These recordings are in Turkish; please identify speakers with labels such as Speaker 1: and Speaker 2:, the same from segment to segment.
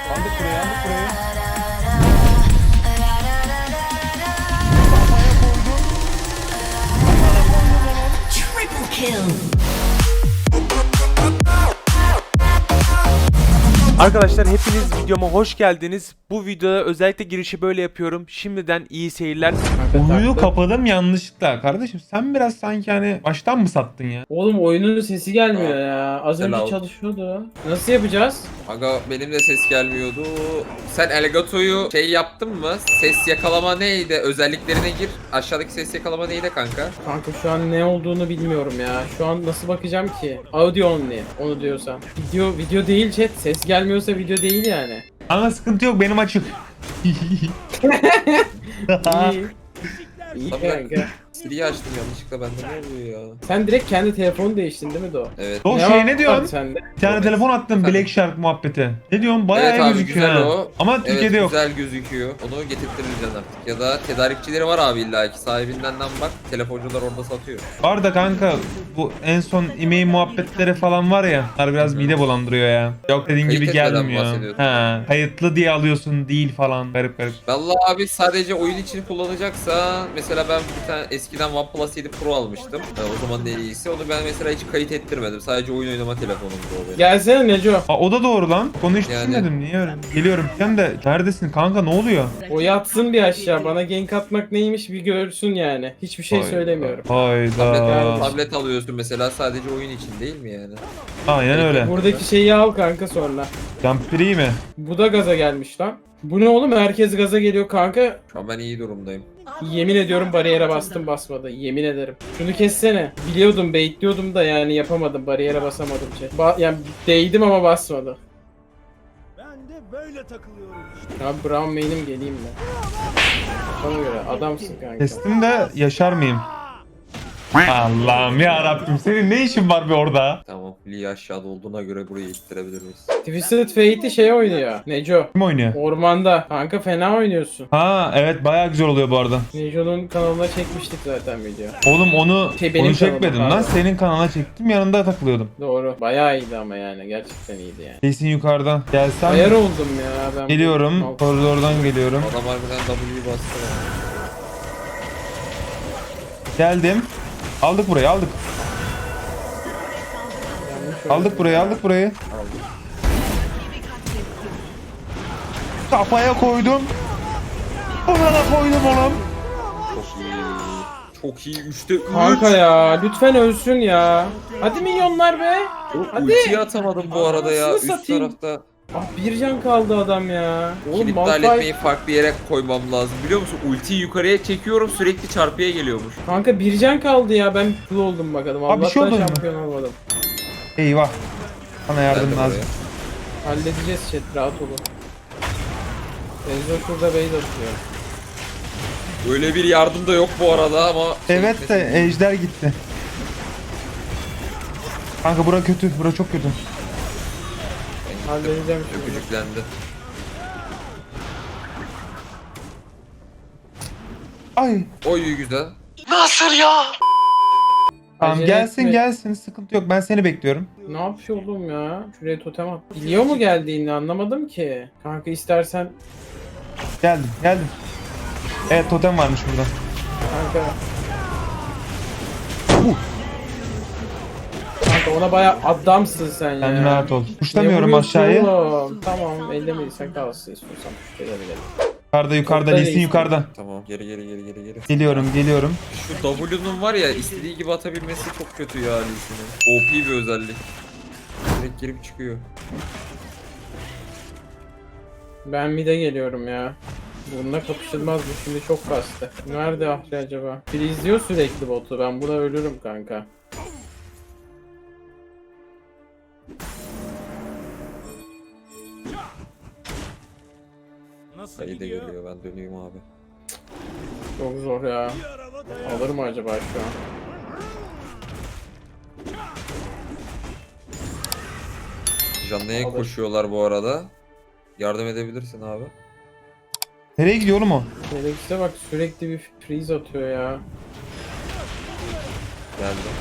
Speaker 1: Aldık buraya, aldık buraya.
Speaker 2: Triple kill.
Speaker 3: Arkadaşlar hepiniz videoma hoş geldiniz. Bu videoda özellikle girişi böyle yapıyorum. Şimdiden iyi seyirler.
Speaker 1: Oyunu kapadım yanlışlıkla. Kardeşim sen biraz sanki hani baştan mı sattın ya?
Speaker 4: Oğlum oyunun sesi gelmiyor ya. Az önce
Speaker 5: Selam.
Speaker 4: çalışıyordu. Nasıl yapacağız?
Speaker 5: Aga benim de ses gelmiyordu. Sen Elgato'yu şey yaptın mı? Ses yakalama neydi? Özelliklerine gir. Aşağıdaki ses yakalama neydi kanka?
Speaker 4: Kanka şu an ne olduğunu bilmiyorum ya. Şu an nasıl bakacağım ki? Audio only. Onu diyorsan. Video değil chat. Ses gelmiyorsa video değil yani.
Speaker 1: Ama sıkıntı yok benim açık.
Speaker 4: İyi. İyi
Speaker 5: Tabii.
Speaker 4: kanka.
Speaker 5: Siri'yi açtım yanlışlıkla, bende ne oluyor ya?
Speaker 4: Sen direkt kendi telefonu değiştirdin değil mi Do?
Speaker 5: Evet.
Speaker 1: O
Speaker 4: Ne
Speaker 1: şey ne
Speaker 4: var
Speaker 1: diyorsun?
Speaker 4: sende?
Speaker 1: Bir tane telefon attım Black Shark muhabbeti. Ne diyorsun? Bayağı
Speaker 5: Evet
Speaker 1: iyi
Speaker 5: abi,
Speaker 1: gözüküyor
Speaker 5: güzel
Speaker 1: ha.
Speaker 5: o.
Speaker 1: Ama Türkiye'de
Speaker 5: evet,
Speaker 1: yok.
Speaker 5: güzel gözüküyor. Onu getirtireceksin artık. Ya da tedarikçileri var abi illaki. Sahibinden bak. Telefoncular orada satıyor.
Speaker 1: Var da kanka bu en son e-mail muhabbetleri falan var ya. Bunlar biraz mide bulandırıyor ya. Yok dediğin
Speaker 5: Kayıt
Speaker 1: gibi
Speaker 5: etmeden
Speaker 1: gelmiyor.
Speaker 5: bahsediyorsun.
Speaker 1: Ha, kayıtlı diye alıyorsun değil falan. Garip garip.
Speaker 5: Vallahi abi sadece oyun için kullanacaksa mesela ben bir tane eskiden OnePlus 7 Pro almıştım. O zaman en iyisi. Onu ben mesela hiç kayıt ettirmedim. Sadece oyun oynama telefonumdu o benim.
Speaker 4: Gelsene Neco.
Speaker 1: Aa, o da doğru lan. Konu hiç
Speaker 5: Yani.
Speaker 1: düşünmedim. Niye öyle? Geliyorum. Sen de neredesin kanka, ne oluyor?
Speaker 4: O yatsın bir aşağı. Bana gank atmak neymiş bir görsün yani. Hiçbir şey
Speaker 1: Hayda.
Speaker 4: söylemiyorum.
Speaker 1: Hayda.
Speaker 5: Tablet alıyorsun mesela sadece oyun için değil mi yani?
Speaker 1: Aynen öyle.
Speaker 4: Buradaki şeyi al kanka sonra.
Speaker 1: Jumpiri mi?
Speaker 4: Bu da gaza gelmiş lan. Bu ne oğlum? Herkes gaza geliyor kanka.
Speaker 5: Şu an ben iyi durumdayım.
Speaker 4: Yemin ediyorum bariyere bastım basmadı. Yemin ederim. Şunu kessene. Biliyordum baitliyordum da yani yapamadım. Bariyere basamadım şey. Yani değdim ama basmadı.
Speaker 6: Ben de böyle takılıyorum işte.
Speaker 4: Abi Brown main'im geleyim mi? Bana göre adamsın kanka.
Speaker 1: Kestim de yaşar mıyım? Allah'ım ya Rabbim, senin ne işin var be orada?
Speaker 5: Tamam. Lee aşağıda olduğuna göre burayı ittirebilir miyiz?
Speaker 4: Twisted Fate'i şey oynuyor. Neco.
Speaker 1: Kim oynuyor?
Speaker 4: Ormanda. Kanka fena oynuyorsun.
Speaker 1: Ha evet, bayağı güzel oluyor bu arada.
Speaker 4: Neco'nun kanalına çekmiştik zaten video.
Speaker 1: Oğlum onu
Speaker 4: Benim
Speaker 1: onu çekmedim
Speaker 4: kanalım,
Speaker 1: lan.
Speaker 4: pardon.
Speaker 1: Senin kanalına çektim, yanında takılıyordum.
Speaker 4: Doğru. Bayağı iyiydi ama yani. Gerçekten iyiydi yani.
Speaker 1: Kesin yukarıdan. Gelsen
Speaker 4: Ayar oldum ya ben.
Speaker 1: geliyorum.
Speaker 4: Al-
Speaker 1: Koridordan geliyorum.
Speaker 5: Adam harbiden W'yu bastı ya.
Speaker 1: Geldim. Aldık burayı, aldık.
Speaker 4: yanlış oldu.
Speaker 1: Aldık burayı, aldık burayı. Kafaya koydum. Ona da koydum oğlum.
Speaker 5: Çok iyi. Çok iyi. 3'te 3.
Speaker 4: Kanka ya lütfen ölsün ya. Hadi milyonlar be. Hadi.
Speaker 5: Ultiyi atamadım bu arada ya.
Speaker 4: Anasını
Speaker 5: Üst
Speaker 4: satayım.
Speaker 5: tarafta.
Speaker 4: Ah bir can kaldı adam ya. Oğlum
Speaker 5: Kilit
Speaker 4: Malphite.
Speaker 5: etmeyi farklı yere koymam lazım. Biliyor musun? Ultiyi yukarıya çekiyorum, sürekli çarpıya geliyormuş.
Speaker 4: Kanka bir can kaldı ya ben full oldum bakalım.
Speaker 1: Abi bir şey
Speaker 4: Allah'tan
Speaker 1: oldu mu?
Speaker 4: şampiyon olmadım.
Speaker 1: Eyvah. Bana yardım
Speaker 5: Geldim
Speaker 1: lazım.
Speaker 4: Halledeceğiz chat rahat olun. Benzo şurada base atıyor.
Speaker 5: Öyle bir yardım da yok bu arada ama...
Speaker 1: Evet de ejder gitti. Kanka bura kötü. Bura çok kötü.
Speaker 4: Halledeceğim şimdi.
Speaker 5: Öpücüklendi.
Speaker 1: Ay.
Speaker 5: Oy güzel.
Speaker 1: Tamam
Speaker 4: Acele
Speaker 1: gelsin
Speaker 4: etme.
Speaker 1: gelsin. Sıkıntı yok. Ben seni bekliyorum.
Speaker 4: Ne yapıyor oğlum ya? Şuraya totem at. Biliyor mu geldiğini anlamadım ki. Kanka istersen
Speaker 1: Geldim geldim. Evet, totem varmış burada.
Speaker 4: kanka. Kanka ona baya adamsın sen ya.
Speaker 1: Sen rahat ol.
Speaker 4: Ne
Speaker 1: Tuşlamıyorum
Speaker 4: vuruyorsun
Speaker 1: aşağıya.
Speaker 4: oğlum? Tamam ellemediysen kalsın istiyorsan tuşlayabilirim.
Speaker 1: Yukarıda
Speaker 4: Topla
Speaker 1: Lisin
Speaker 4: reisim.
Speaker 1: yukarıda.
Speaker 5: Tamam, geri.
Speaker 1: Geliyorum.
Speaker 5: Şu W'nun var ya, istediği gibi atabilmesi çok kötü ya Lee'sinin. OP bir özellik. Direkt girip çıkıyor.
Speaker 4: Ben mid'e geliyorum ya. Bununla kapışılmaz bu şimdi çok kastı. Nerede Ahri acaba? Biri izliyor sürekli botu. Ben buna ölürüm kanka.
Speaker 6: Nasıl
Speaker 5: Sayı da
Speaker 6: gidiyor?
Speaker 5: geliyor, ben döneyim abi.
Speaker 4: Çok zor ya. Alır mı acaba şu an?
Speaker 5: Canlı'ya
Speaker 4: Alır.
Speaker 5: koşuyorlar bu arada. Yardım edebilirsin abi.
Speaker 1: Nereye gidiyor oğlum o?
Speaker 4: Felix'e bak sürekli bir freeze atıyor ya.
Speaker 5: Geldim.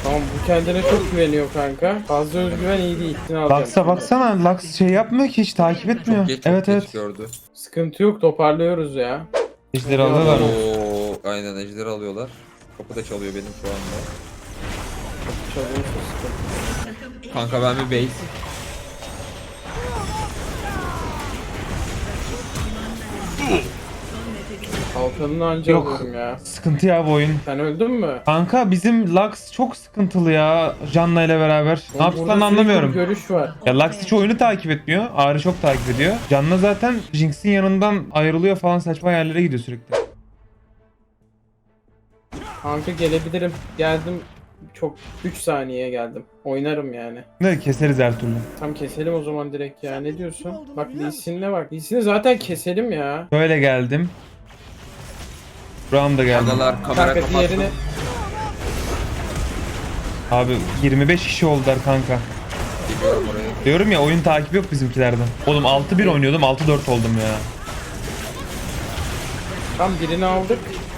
Speaker 4: Tamam bu kendine çok güveniyor kanka. Fazla özgüven iyi değil. Ne alacağım
Speaker 1: Lux'a
Speaker 4: şimdi?
Speaker 1: baksana. Lux şey yapmıyor ki, hiç takip etmiyor.
Speaker 5: Geç,
Speaker 1: Evet
Speaker 5: geç
Speaker 1: evet.
Speaker 5: gördü.
Speaker 4: Sıkıntı yok, toparlıyoruz ya.
Speaker 1: Ejderi alıyorlar mı?
Speaker 5: Oo, aynen ejderi alıyorlar. Kapı da çalıyor benim şu anda.
Speaker 4: Çalıyorsa sıkıntı.
Speaker 5: Kanka ben bir base.
Speaker 4: Kalkanını anca
Speaker 1: Yok.
Speaker 4: alıyorum ya.
Speaker 1: Sıkıntı ya bu oyun.
Speaker 4: Sen öldün mü?
Speaker 1: Kanka bizim Lux çok sıkıntılı ya Janna ile beraber. Ne
Speaker 4: Burada
Speaker 1: yaptıklarını
Speaker 4: sürekli
Speaker 1: anlamıyorum.
Speaker 4: bir görüş var.
Speaker 1: Ya Lux hiç oyunu takip etmiyor. Ağrı çok takip ediyor. Janna zaten Jinx'in yanından ayrılıyor falan, saçma yerlere gidiyor sürekli.
Speaker 4: Kanka gelebilirim. Geldim. Çok 3 saniyeye geldim. Oynarım yani.
Speaker 1: Ne keseriz her türlü.
Speaker 4: Tam keselim o zaman direkt ya. Ne diyorsun? Bak Lee Sin'le bak. Lee Sin'i zaten keselim ya.
Speaker 1: Böyle geldim. Buram da geldim.
Speaker 5: Adalar kamera
Speaker 4: Kanka
Speaker 5: kapattı.
Speaker 4: diğerini
Speaker 1: Abi 25 kişi oldular kanka.
Speaker 5: Geliyorum oraya.
Speaker 1: Diyorum ya, oyun takibi yok bizimkilerden. Oğlum 6-1 oynuyordum, 6-4 oldum ya.
Speaker 4: tam birini aldık.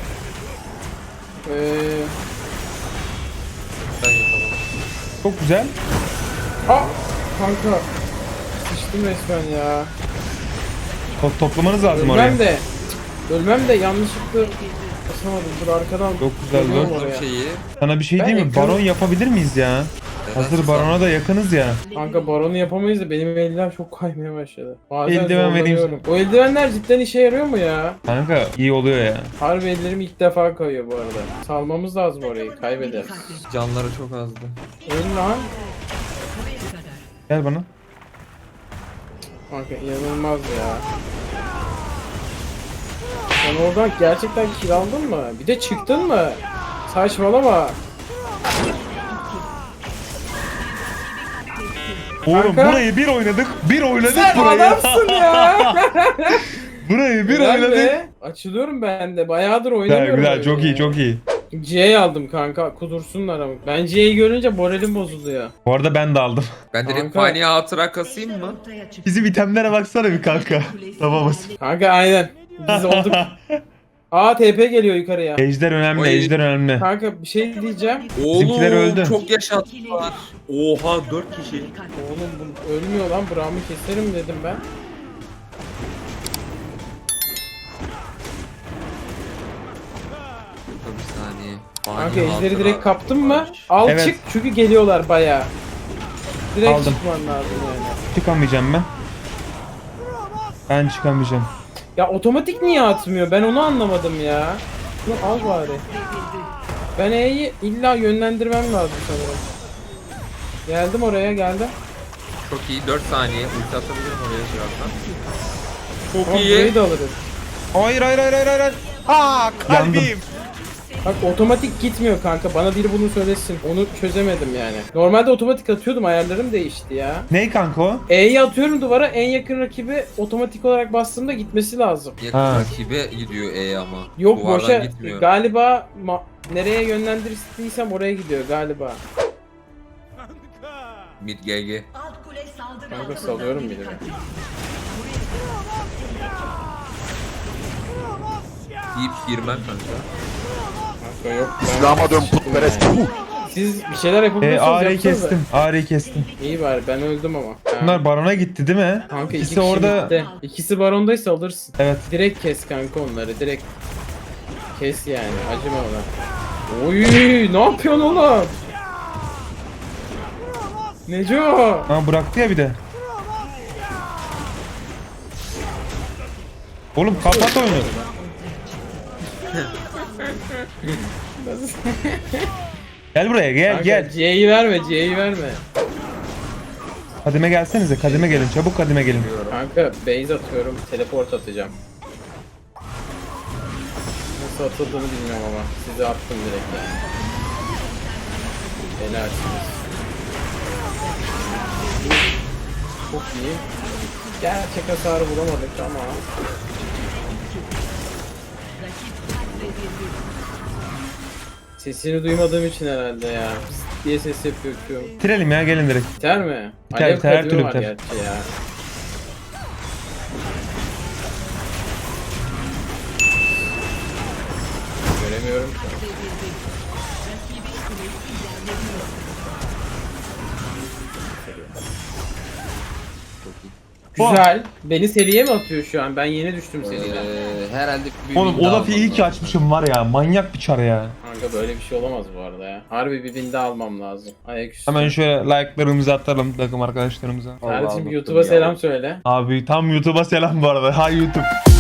Speaker 5: Ben yapalım.
Speaker 1: Çok güzel.
Speaker 4: Kanka sıçtım resmen ya.
Speaker 1: Toplamanız lazım oraya.
Speaker 4: Ölmem de yanlışlıkla basamadım. Dur arkadan.
Speaker 1: Çok güzel
Speaker 4: geliyorum
Speaker 1: bu.
Speaker 4: oraya.
Speaker 5: Şeyi.
Speaker 1: Sana bir şey
Speaker 4: Ben
Speaker 1: diyeyim mi?
Speaker 4: ekranı-
Speaker 1: Baron yapabilir miyiz ya? Hazır barona da yakınız ya.
Speaker 4: Kanka baronu yapamayız da benim eldiven çok kaymaya başladı. Bazen
Speaker 1: Eldiven vereyim.
Speaker 4: zorlanıyorum. O eldivenler cidden işe yarıyor mu ya?
Speaker 1: Kanka iyi oluyor ya.
Speaker 4: Harbi ellerim ilk defa kayıyor bu arada. Salmamız lazım orayı, kaybederiz.
Speaker 5: Canları çok azdı.
Speaker 4: Öl lan.
Speaker 1: Gel bana.
Speaker 4: Kanka inanılmaz ya. Sen oradan gerçekten kill aldın mı? Bir de çıktın mı? Saçmalama.
Speaker 1: Oğlum
Speaker 4: Kanka.
Speaker 1: burayı bir oynadık. Bir oynadık
Speaker 4: Sen
Speaker 1: burayı.
Speaker 4: adamsın ya.
Speaker 1: Burayı bir
Speaker 4: Güzel
Speaker 1: oynadık.
Speaker 4: be. Açılıyorum ben de. Bayağıdır
Speaker 1: Güzel
Speaker 4: oynamıyorum.
Speaker 1: güzel,
Speaker 4: oyunu
Speaker 1: çok
Speaker 4: ya.
Speaker 1: iyi çok iyi.
Speaker 4: C'yi aldım kanka. Kudursunlar ama. Ben C'yi görünce moralim bozuluyor.
Speaker 1: Bu arada ben de aldım.
Speaker 5: Ben direkt
Speaker 4: Kanka.
Speaker 5: fani hatıra kasayım mı?
Speaker 1: Bizim itemlere baksana bir kanka. Tamamız.
Speaker 4: Kanka aynen. Biz olduk. Aa TP geliyor yukarıya.
Speaker 1: Ejder önemli,
Speaker 5: Oy.
Speaker 1: ejder önemli.
Speaker 4: Kanka bir şey diyeceğim.
Speaker 1: Bizimkiler öldü.
Speaker 5: Çok yaşattılar. Oha 4 kişi.
Speaker 4: Oğlum bu ölmüyor lan. Braum'u keserim dedim ben.
Speaker 5: Dur bir saniye.
Speaker 4: Kanka
Speaker 5: Fani
Speaker 4: ejderi
Speaker 5: hatıra
Speaker 4: direkt kaptın mı?
Speaker 5: var.
Speaker 4: Al
Speaker 1: Evet.
Speaker 4: çık çünkü geliyorlar bayağı. Direkt
Speaker 1: Aldım.
Speaker 4: çıkman lazım yani.
Speaker 1: Çıkamayacağım ben. Ben çıkamayacağım.
Speaker 4: Ya otomatik niye atmıyor? Ben onu anlamadım ya. Bunu al bari. Ben E'yi illa yönlendirmem lazım sanırım. Geldim oraya geldim.
Speaker 5: Çok iyi 4 saniye. Ulti atabilirim oraya birazdan.
Speaker 4: Ama
Speaker 5: Çok
Speaker 4: burayı
Speaker 5: iyi.
Speaker 4: da alırız.
Speaker 1: Hayır hayır hayır hayır hayır. Aa kalbim.
Speaker 4: Bak otomatik gitmiyor kanka. Bana biri bunu söylesin. Onu çözemedim yani. Normalde otomatik atıyordum. Ayarlarım değişti ya.
Speaker 1: Ney kanka o?
Speaker 4: E'yi atıyorum duvara. En yakın rakibi otomatik olarak bastığımda gitmesi lazım.
Speaker 5: Yakın
Speaker 1: Ha.
Speaker 5: rakibe gidiyor E ama.
Speaker 4: Yok
Speaker 5: Duvardan
Speaker 4: boşa.
Speaker 5: gitmiyor.
Speaker 4: Galiba nereye yönlendirdiysem oraya gidiyor galiba.
Speaker 5: Mid GG.
Speaker 2: Alt kule saldırı
Speaker 4: Kanka
Speaker 2: altında.
Speaker 4: salıyorum bir de.
Speaker 5: Deyip girmem kanka.
Speaker 4: Kanka yok.
Speaker 6: İslam'a dön putperest. Puh.
Speaker 4: Siz bir şeyler yapabiliyorsanız
Speaker 1: Ağrı'yı
Speaker 4: yapsanıza.
Speaker 1: kestim. Ağrı'yı kestim.
Speaker 4: İyi bari ben öldüm ama. Ha.
Speaker 1: Bunlar barona gitti değil mi?
Speaker 4: Kanka iki
Speaker 1: İkisi
Speaker 4: kişi
Speaker 1: orada.
Speaker 4: bitti. İkisi barondaysa alırsın.
Speaker 1: Evet.
Speaker 4: Direkt kes kanka onları direkt. Kes yani acıma ona. Oy ne yapıyorsun oğlum? Neco?
Speaker 1: Ha bıraktı ya bir de. Oğlum kapat oyunu. Gel buraya gel
Speaker 4: Kanka,
Speaker 1: gel.
Speaker 4: C'yi verme C'yi verme.
Speaker 1: Kadime gelsenize, kadime gelin, çabuk kadime gelin.
Speaker 4: Kanka base atıyorum teleport atacağım. Nasıl atıldığını bilmiyorum ama size attım direkt yani. Helalsiniz. Çok iyi. Gerçek hasarı bulamadık ama. Sesini duymadığım için herhalde ya. Pıs diye ses yapıyor Q'm.
Speaker 1: Bitirelim ya, gelin direkt.
Speaker 4: Biter mi?
Speaker 1: Biter,
Speaker 4: Alev
Speaker 1: biter, her
Speaker 4: kadığı
Speaker 1: türlü
Speaker 4: var
Speaker 1: biter.
Speaker 4: gerçi ya. Göremiyorum ki. Güzel. Beni seriye mi atıyor şu an? Ben yeni düştüm seriden.
Speaker 5: Herhalde bir
Speaker 1: Oğlum
Speaker 5: win
Speaker 1: o
Speaker 5: daha
Speaker 1: lafı iyi
Speaker 5: almam
Speaker 1: ki
Speaker 5: lazım.
Speaker 1: açmışım var ya. Manyak bir çar ya.
Speaker 4: Kanka böyle bir şey olamaz bu arada ya. Harbi bir win daha almam lazım. Ayaküstü.
Speaker 1: Hemen şöyle like'larımızı atalım takım arkadaşlarımıza.
Speaker 4: Kardeşim
Speaker 5: Allah'ım,
Speaker 4: YouTube'a
Speaker 5: ya.
Speaker 4: selam söyle.
Speaker 1: Abi tam YouTube'a selam bu arada. Hay YouTube.